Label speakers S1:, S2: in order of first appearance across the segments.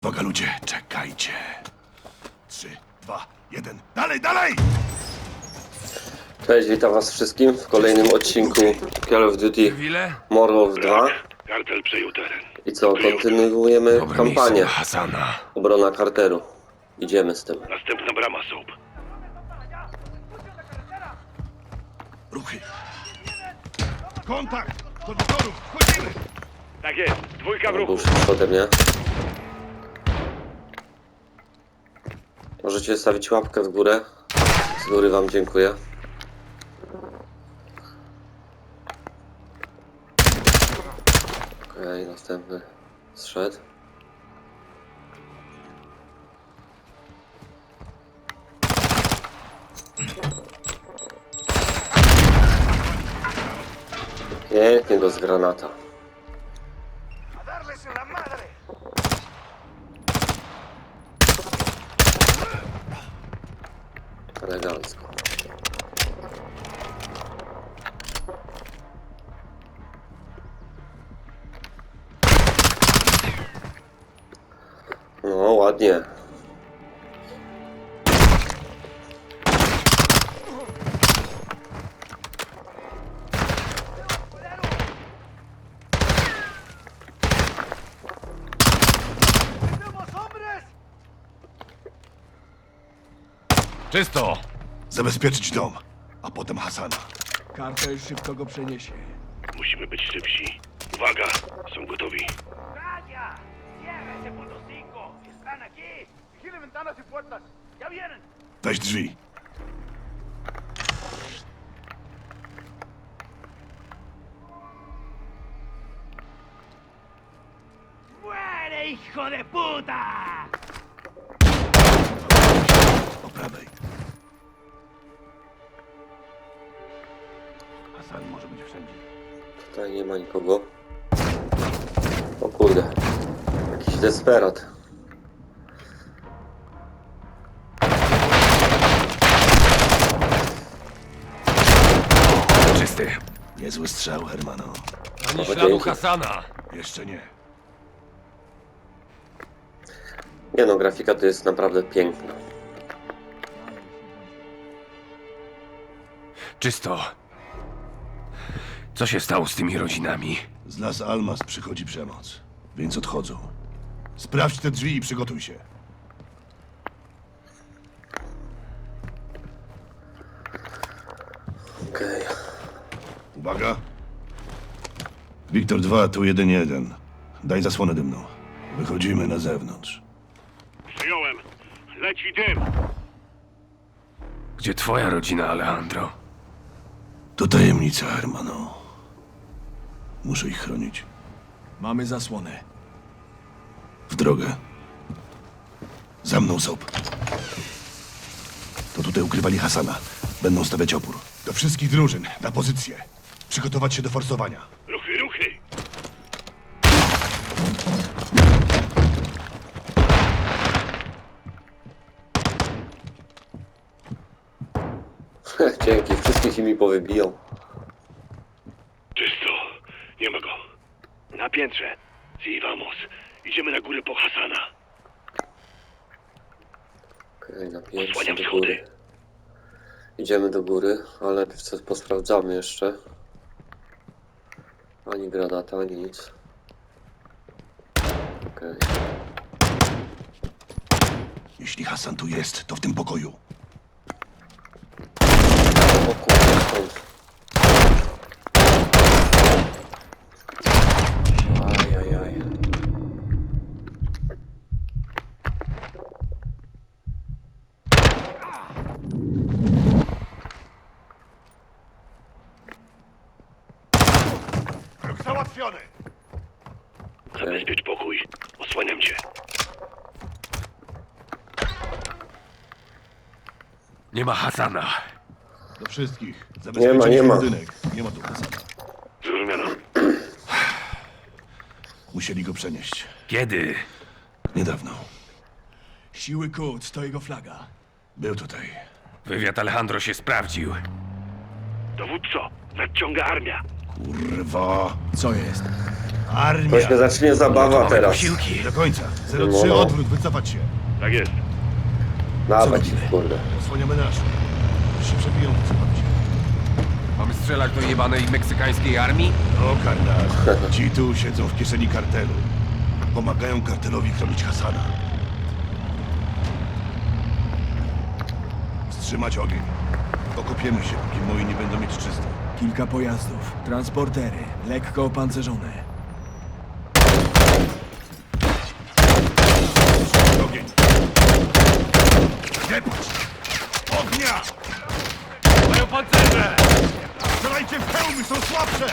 S1: Uwaga ludzie, czekajcie. 3, 2, 1. Dalej, dalej!
S2: Cześć, witam was wszystkim w kolejnym odcinku Call of Duty Modern Warfare 2.
S3: Kartel przejął teren.
S2: I co, kontynuujemy kampanię
S1: Hasana.
S2: Obrona Carteru. Idziemy z tym.
S3: Następna brama, Soap.
S1: Ruchy. Kontakt! Do motorów, wchodzimy!
S3: Tak jest, dwójka w
S2: Był
S3: ruchu.
S2: szybszy ode mnie. Możecie stawić łapkę w górę. Z góry wam dziękuję. Okej, następny zszedł. Pięknie go z granata. Elegancko. No, ładnie.
S1: Czysto! Zabezpieczyć dom, a potem Hasana.
S4: Kartel szybko go przeniesie.
S3: Musimy być szybsi. Uwaga, są gotowi.
S5: ¡Calla! ¡Cierra ese punto 5! ¡Están aquí! ¡Vigile ventanas y puertas! ¡Ya vienen!
S1: Weź drzwi.
S5: ¡Muere, hijo de puta!
S1: Po prawej. Hasan może być wszędzie.
S2: Tutaj nie ma nikogo. O kurde. Jakiś desperat.
S1: Czysty. Niezły strzał, Hermano.
S2: Ani śladu
S1: Hasana. Jeszcze nie.
S2: Nie no, grafika to jest naprawdę piękna.
S6: Czysto. Co się stało z tymi rodzinami?
S1: Z Las Almas przychodzi przemoc, więc odchodzą. Sprawdź te drzwi i przygotuj się.
S2: Okej.
S1: Uwaga. Wiktor 2, tu 1-1. Daj zasłonę dymną. Wychodzimy na zewnątrz.
S3: Przyjąłem. Leci dym.
S6: Gdzie twoja rodzina, Alejandro?
S1: To tajemnica, Hermano. Muszę ich chronić.
S4: Mamy zasłonę.
S1: W drogę. Za mną, Soap. To tutaj ukrywali Hasana. Będą stawiać opór. Do wszystkich drużyn, na pozycję. Przygotować się do forsowania.
S3: Ruchy, ruchy.
S2: Dzięki, wszystkich mi powybijał.
S3: Czysto. Nie ma go. Na piętrze. Si, vamos. Idziemy na górę po Hasana.
S2: Okej, na pierwszy
S3: Osłaniam
S2: do
S3: schody.
S2: góry. Idziemy do góry, ale posprawdzamy jeszcze. Ani granata, ani nic. Okej.
S1: Jeśli Hasan tu jest, to w tym pokoju.
S2: O kurde, skąd? Ajajaj.
S1: Załatwiony!
S3: Zabezpiecz pokój. Osłaniam cię.
S6: Nie ma Hasana.
S1: Do wszystkich.
S2: Nie
S1: Zabezpieczyć
S2: ma.
S1: budynek. Nie ma tu Hasana.
S3: Zrozumiano.
S1: Musieli go przenieść.
S6: Kiedy?
S1: Niedawno.
S4: Siły Quds to jego flaga.
S1: Był tutaj.
S6: Wywiad Alejandro się sprawdził.
S3: Dowódco, nadciąga armia.
S1: Kurwa.
S4: Co jest?
S1: Armia!
S2: To się zacznie zabawa
S6: Mamy
S2: teraz.
S6: posiłki.
S1: Do końca.
S2: No.
S1: 03 odwrót, wycofać się.
S3: Tak jest.
S2: Dawać,
S1: robimy?
S2: kurde.
S1: Osłaniamy nasz. Jeśli przebiją, wycofamy się.
S6: Mamy strzelać do jebanej meksykańskiej armii?
S1: No, karnal. Ci tu siedzą w kieszeni kartelu. Pomagają kartelowi chronić Hasana. Wstrzymać ogień. Okopiemy się, póki moi nie będą mieć czysto.
S4: Kilka pojazdów, transportery, lekko opancerzone.
S1: Wstrzymać ogień. Zepać! Ognia!
S6: Mają pancerze!
S1: Strzelajcie w hełmy, są słabsze!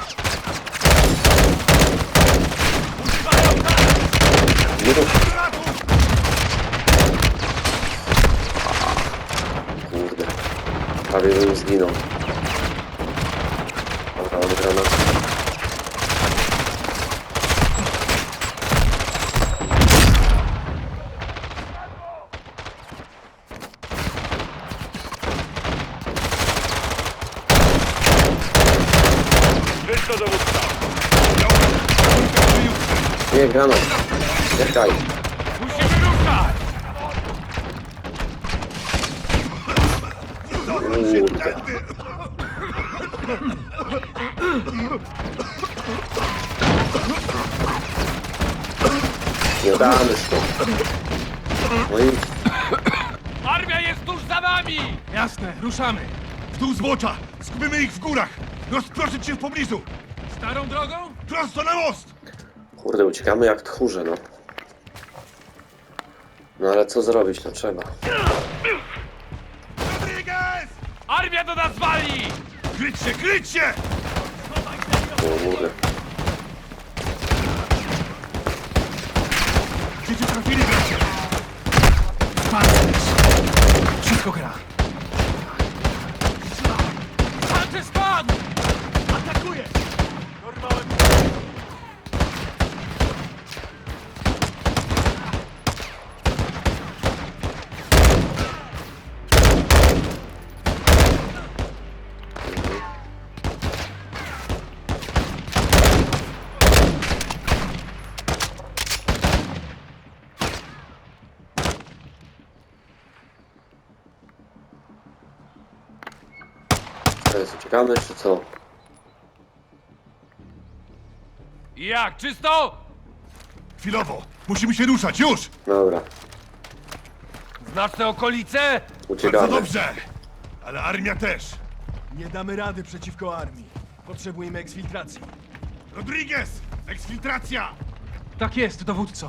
S2: Nie rób,
S1: Ratów!
S2: kurde. Prawie bym zginął. Dobra, mam granat.
S3: Wszystko dowódca.
S2: Nie, granat. Czekaj.
S6: Musimy ruszać!
S2: Kurde. Nie damy stąd. No i
S6: Armia jest tuż za nami!
S4: Jasne, ruszamy.
S1: W dół zbocza! Skupimy ich w górach! Rozproszyć się w pobliżu!
S4: Starą drogą?
S1: Prosto na most!
S2: kurde, uciekamy jak tchórze, no. No ale co zrobić, no trzeba.
S1: Rodriguez!
S6: Armia do nas wali!
S1: Kryć się, kryć się!
S2: O kurde.
S1: Gdzie cię trafili, bracie?
S4: Pancerz! Wszystko gra.
S6: Pancerz spadł!
S4: Atakuje!
S2: Teraz uciekamy, czy co?
S6: Jak, czysto?
S1: Chwilowo! Musimy się ruszać, już!
S2: Dobra,
S6: Znasz te okolice?
S1: Bardzo
S2: uciekamy.
S1: dobrze! Ale armia też!
S4: Nie damy rady przeciwko armii. Potrzebujemy eksfiltracji.
S1: Rodriguez! Eksfiltracja!
S4: Tak jest, dowódco.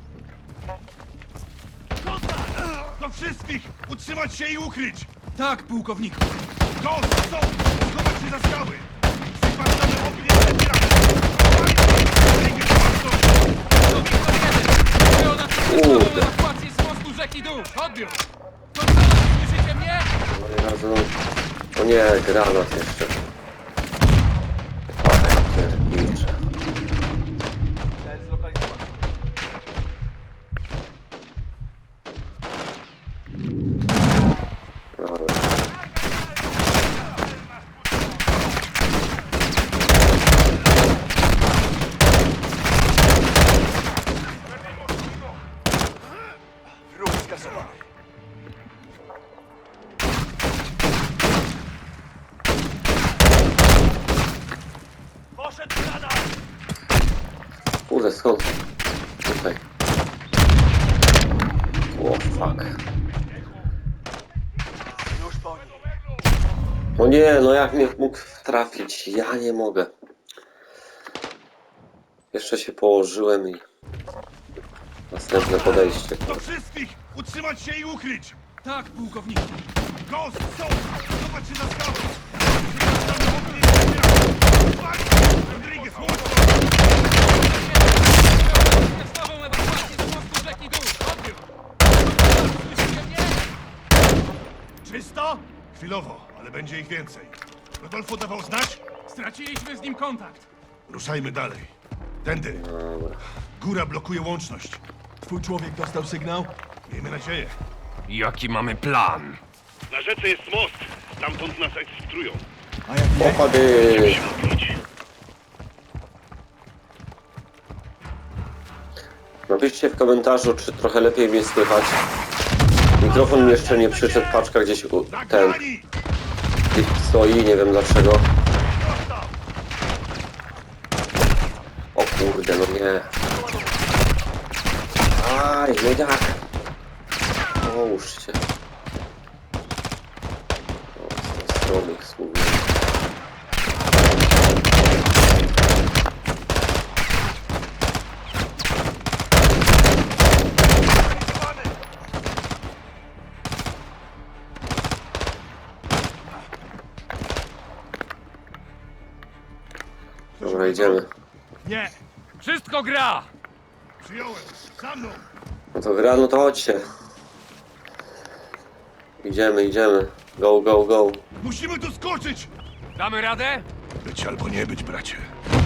S1: Do wszystkich! Utrzymać się i ukryć!
S4: Tak, pułkowniku.
S1: Ghost, są! Schować się za skały! Przypadamy ognie z lepirami! Rodriguez,
S2: Kurde.
S6: ewakuację z mostu rzeki Dół! Odbiór! Kontrola, słyszycie mnie?
S2: No i razem... O nie, granat jeszcze. Ach, piernicze. Dobra.
S5: Poszedł granat!
S2: Kurde, skąd? Tutaj. O, fuck.
S5: Już po nim.
S2: O nie, no jak mnie mógł trafić? Ja nie mogę. Jeszcze się położyłem i... Następne podejście.
S1: do wszystkich! Utrzymać się i ukryć!
S4: Tak, pułkowniku.
S1: Ghost, są! Schować się za skały! Przypadamy ognie z lepirami! Rodriguez, mocno!
S6: Nową ewakuację z mostu rzeki Dół! Odbiór! Słyszycie mnie?
S1: Czysto? Chwilowo, ale będzie ich więcej. Rodolfo dawał znać?
S4: Straciliśmy z nim kontakt.
S1: Ruszajmy dalej. Tędy.
S2: Dobra.
S1: Góra blokuje łączność.
S4: Twój człowiek dostał sygnał?
S1: Miejmy nadzieję.
S6: Jaki mamy plan?
S3: Na rzece jest most. Stamtąd nas eksfiltrują.
S4: A jak nie?
S2: Opady!
S3: Musimy odwrócić.
S2: Napiszcie w komentarzu, czy trochę lepiej mnie słychać. Mikrofon mi jeszcze nie przyszedł, paczka gdzieś ten
S1: Zagrani!
S2: stoi, nie wiem dlaczego. O kurde, no nie. Aj, no jak? Połóżcie. O, z tej strony ich słów. Dobra, idziemy.
S4: Nie!
S6: Wszystko gra!
S1: Przyjąłem! Za mną!
S2: No to gra, no to chodźcie. Idziemy, idziemy. Go, go, go.
S1: Musimy tu skoczyć!
S6: Damy radę?
S1: Być albo nie być, bracie.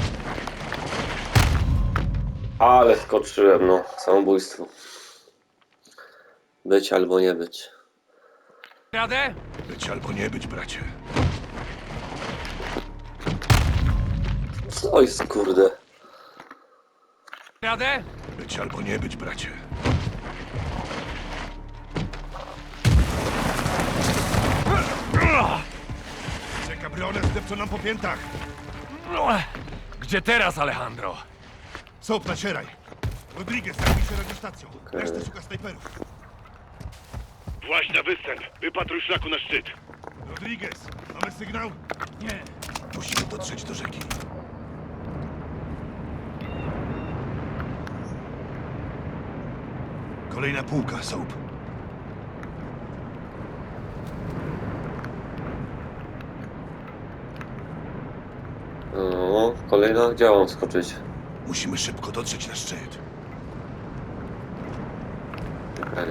S2: Ale skoczyłem, no. Samobójstwo. Być albo nie być.
S6: Radę?
S1: Być albo nie być, bracie.
S2: Co jest, kurde?
S6: Radę?
S1: Być albo nie być, bracie. Czeka brionę zdepczą nam po piętach.
S6: Gdzie teraz, Alejandro?
S1: Soap, nacieraj. Rodriguez, zajmij się radiostacją. Reszta szuka snajperów.
S3: Właź na występ. Wypatruj szlaku na szczyt.
S1: Rodriguez, mamy sygnał?
S4: Nie!
S1: Musimy dotrzeć do rzeki. Kolejna półka, Soap.
S2: No, kolejna, gdzie mam skoczyć?
S1: Musimy szybko dotrzeć na szczyt.
S2: Okej.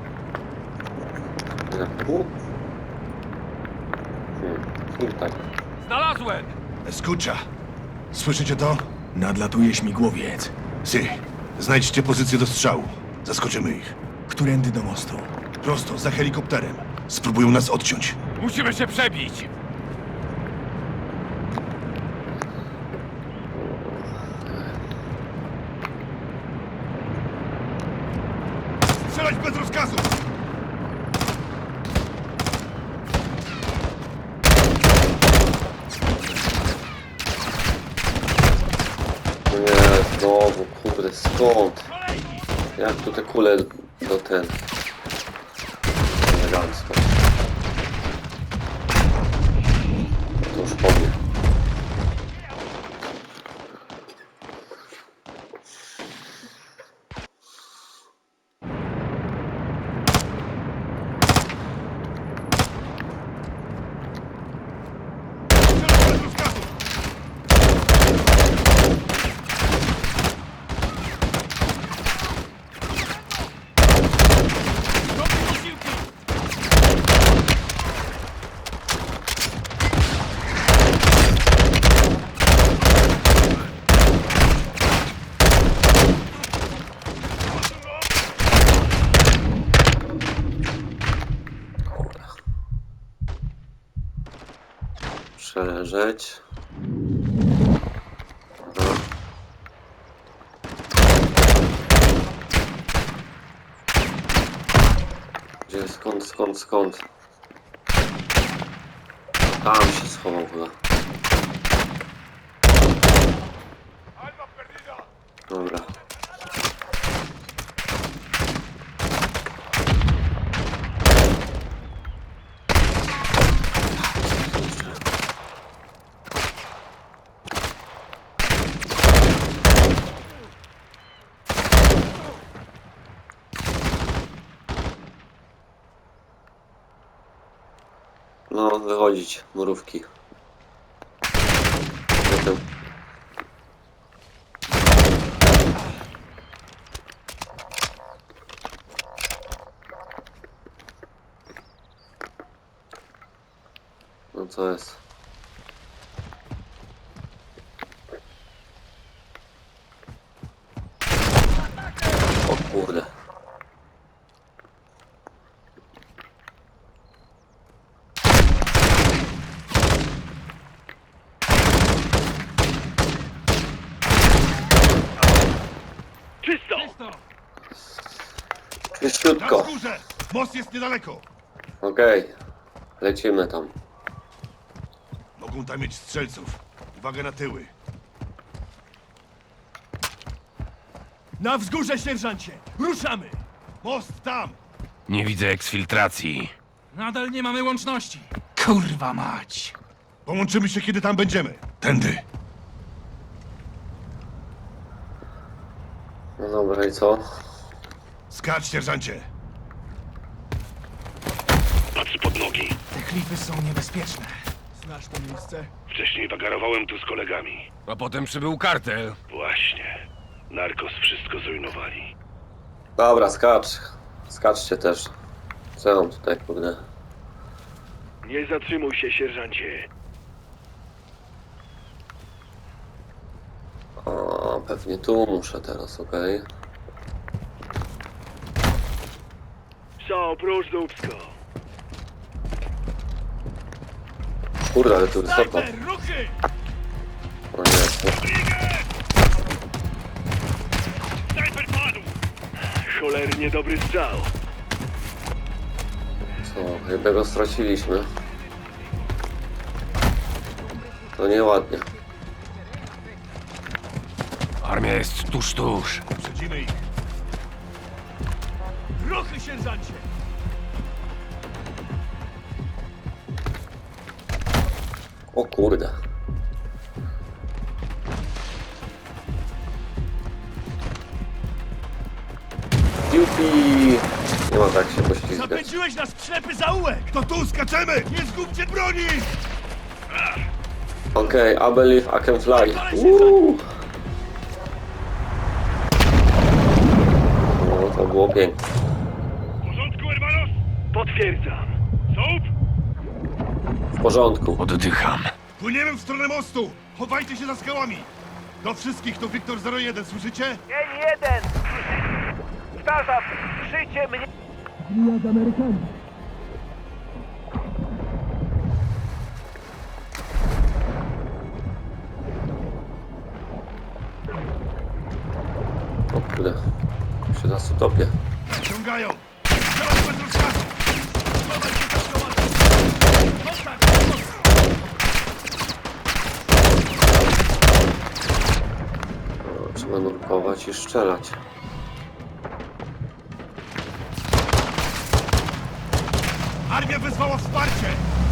S2: Na pół? Tutaj.
S6: Znalazłem!
S1: Escucha. Słyszycie to?
S4: Nadlatuje śmigłowiec.
S1: Si. Znajdźcie pozycję do strzału. Zaskoczymy ich.
S4: Którędy do mostu?
S1: Prosto, za helikopterem. Spróbują nas odciąć.
S6: Musimy się przebić!
S1: Strzelać bez rozkazu!
S2: No nie, znowu, kurde, skąd? Jak tu te kule do ten? Elegancko. To już po mnie.
S1: Strzelać bez rozkazu!
S2: Przeleżeć. Aha. Gdzie, skąd? Tam się schował chyba. Dobra. No, wychodzić, mrówki. Potem. No co jest? O kurde.
S3: Czysto!
S6: Czysto!
S1: Na
S2: Szybciutko.
S1: wzgórze! Most jest niedaleko!
S2: Okej. Lecimy tam.
S1: Mogą tam mieć strzelców. Uwaga na tyły.
S4: Na wzgórze, sierżancie! Ruszamy!
S1: Most tam!
S7: Nie widzę eksfiltracji.
S6: Nadal nie mamy łączności. Kurwa mać.
S1: Połączymy się, kiedy tam będziemy. Tędy.
S2: No dobra, i co?
S1: Skacz, sierżancie.
S3: Patrz pod nogi.
S6: Te klify są niebezpieczne.
S4: Znasz to miejsce?
S3: Wcześniej wagarowałem tu z kolegami.
S7: A potem przybył kartel.
S3: Właśnie. Narkos wszystko zrujnowali.
S2: Dobra, skacz. Skaczcie też. Co ja mam tutaj, kurde?
S3: Nie zatrzymuj się, sierżancie.
S2: O, pewnie tu muszę teraz, okej.
S3: Co, prócz dupsko.
S2: Kurde, ale tu wysoko.
S4: Snajper, ruchy!
S2: O nie,
S3: Snajper padł! Cholernie dobry strzał.
S2: co? Jednego straciliśmy. To nieładnie.
S7: Armia jest tuż.
S1: Przedzimy ich.
S4: Ruchy, sierżancie!
S2: O kurde. Jupi! Nie ma tak się poślizgać.
S4: Zapędziłeś nas w ślepy zaułek!
S1: To tu, skaczemy! Nie zgubcie broni!
S2: Okej, I believe I can fly. Woo! No, to było piękne.
S3: W porządku, hermanos? Potwierdzam. Soap?
S2: W porządku.
S7: Oddycham.
S1: Płyniemy w stronę mostu! Chowajcie się za skałami! Do wszystkich to Wiktor 01, słyszycie?
S5: Dzień 1! Powtarzam, słyszycie mnie?
S2: O kurde. Się nas utopię.
S1: Ciągają! Strzelać bez rozkazu!
S4: Schowaj się za skałami! Kontakt!
S2: O, trzeba nurkować i strzelać.
S1: Armia wezwała wsparcie!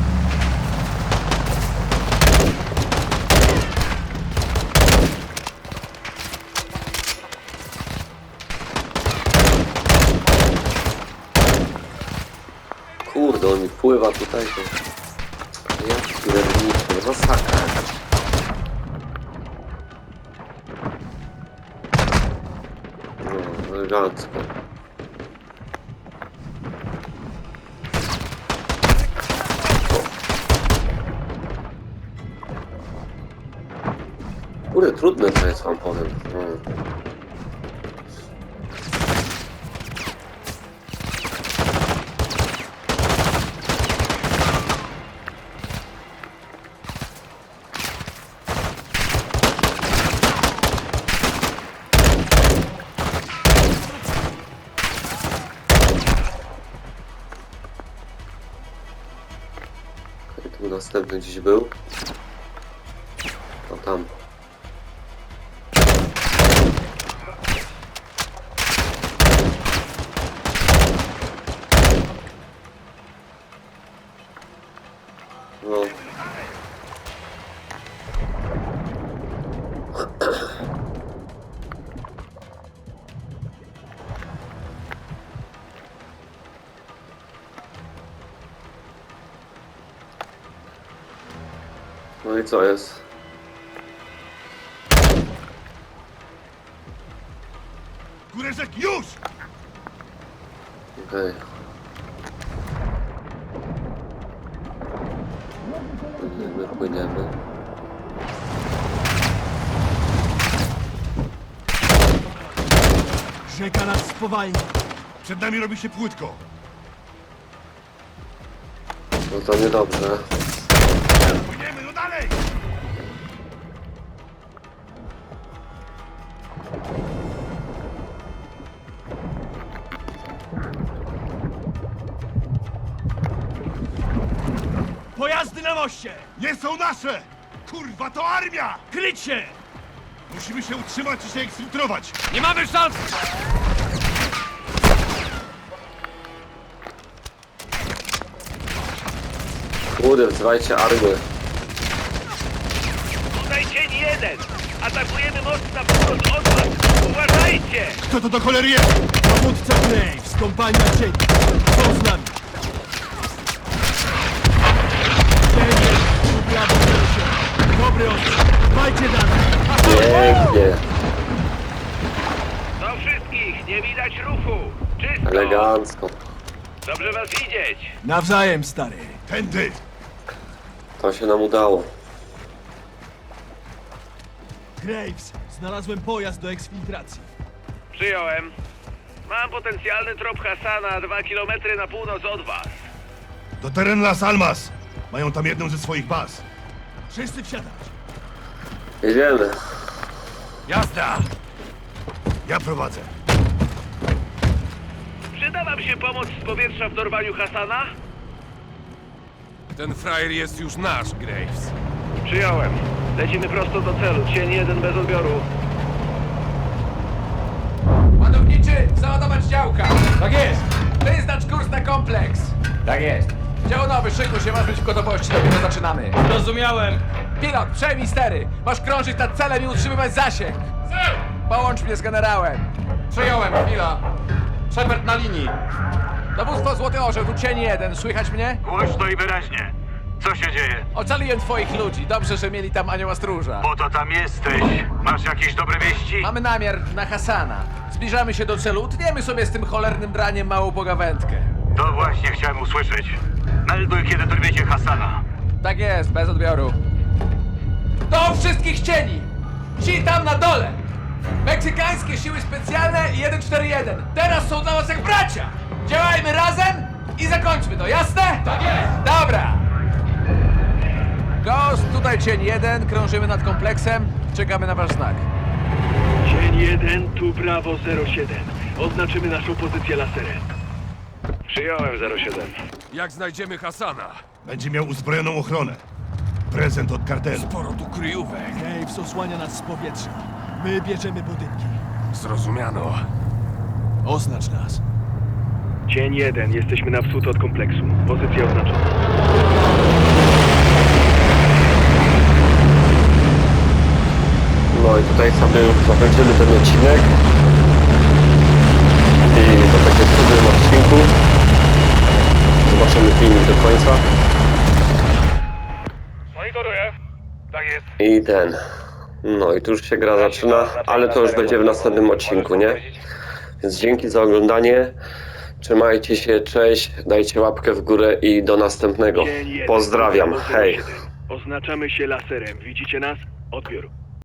S2: Kurde, on mi pływa tutaj. To... Jaki pierniczy, masakra jakaś. No, elegancko. Kurde, trudne to jest, wam powiem. Tu następny gdzieś był. O tam. No. No i co jest?
S1: Górę rzek, już!
S2: Okej. Płyniemy.
S4: Rzeka nas spowalnia.
S1: Przed nami robi się płytko.
S2: No to niedobrze.
S1: Płyniemy, no dalej!
S4: Pojazdy na moście!
S1: Nie są nasze! Kurwa, to armia!
S4: Kryć się!
S1: Musimy się utrzymać i się eksfiltrować!
S7: Nie mamy szans!
S2: Kurde, wzywajcie armię.
S3: Tutaj cień jeden! Atakujemy most na wschód od was! Uważajcie!
S1: Kto to do cholery jest?
S4: Dowódca Graves, kompania cieni. Są z nami. Cienie, tu prawo 07. Dobry ostrzał. Dbajcie dalej.
S2: Pięknie,
S3: Do wszystkich! Nie widać ruchu! Czysto!
S2: elegancko.
S3: Dobrze was widzieć!
S4: Nawzajem, stary.
S1: Tędy!
S2: To się nam udało.
S4: Graves, znalazłem pojazd do eksfiltracji.
S3: Przyjąłem. Mam potencjalny trop Hasana 2 km na północ od was.
S1: Do teren Las Almas! Mają tam jedną ze swoich baz.
S4: Wszyscy wsiadać.
S2: Jedziemy.
S7: Jazda!
S1: Ja prowadzę.
S3: Przyda wam się pomoc z powietrza w dorwaniu Hasana?
S7: Ten frajer jest już nasz, Graves.
S3: Przyjąłem. Lecimy prosto do celu. Cień jeden bez odbioru.
S6: Ładowniczy, załadować działka. Tak jest. Wyznacz kurs na kompleks. Tak jest. Dział nowy, szykuj się, masz być w gotowości, dopiero zaczynamy. Rozumiałem. Pilot, przejmij stery. Masz krążyć nad celem i utrzymywać zasięg. Połącz mnie z generałem. Przyjąłem, chwila. Shepard na linii. Dowództwo Złoty Orzeł, tu cień jeden. Słychać mnie?
S5: Głośno i wyraźnie. Co się dzieje?
S6: Ocaliłem twoich ludzi. Dobrze, że mieli tam anioła stróża.
S5: Po to tam jesteś. Masz jakieś dobre wieści?
S6: Mamy namiar na Hasana. Zbliżamy się do celu. Utniemy sobie z tym cholernym draniem małą pogawędkę.
S5: To właśnie chciałem usłyszeć. Melduj, kiedy dorwiecie Hasana.
S6: Tak jest, bez odbioru. Do wszystkich cieni! Ci tam na dole! Meksykańskie siły specjalne i 141. Teraz są dla was jak bracia! Działajmy razem i zakończmy to, jasne? Tak jest! Dobra! Ghost, tutaj cień 1, krążymy nad kompleksem, czekamy na wasz znak.
S3: Cień jeden, tu Bravo 07. Oznaczymy naszą pozycję laserem. Przyjąłem 07.
S7: Jak znajdziemy Hasana?
S1: Będzie miał uzbrojoną ochronę. Prezent od kartelu.
S7: Sporo tu kryjówek.
S4: Graves osłania nas z powietrza. My bierzemy budynki.
S7: Zrozumiano.
S4: Oznacz nas.
S3: Cień jeden, jesteśmy na wschód od kompleksu. Pozycja oznaczona.
S2: No i tutaj sobie już zakończymy ten odcinek. I to takie w drugim odcinku. Zobaczymy filmik do końca.
S3: Monitoruję. Tak jest.
S2: I ten. No i tu już się gra zaczyna, ale to już będzie w następnym odcinku, nie? Więc dzięki za oglądanie. Trzymajcie się, cześć, dajcie łapkę w górę i do następnego.
S3: Cień jeden,
S2: Pozdrawiam,
S3: Bravo
S2: hej.
S3: 07. Oznaczamy się laserem. Widzicie nas? Odbiór.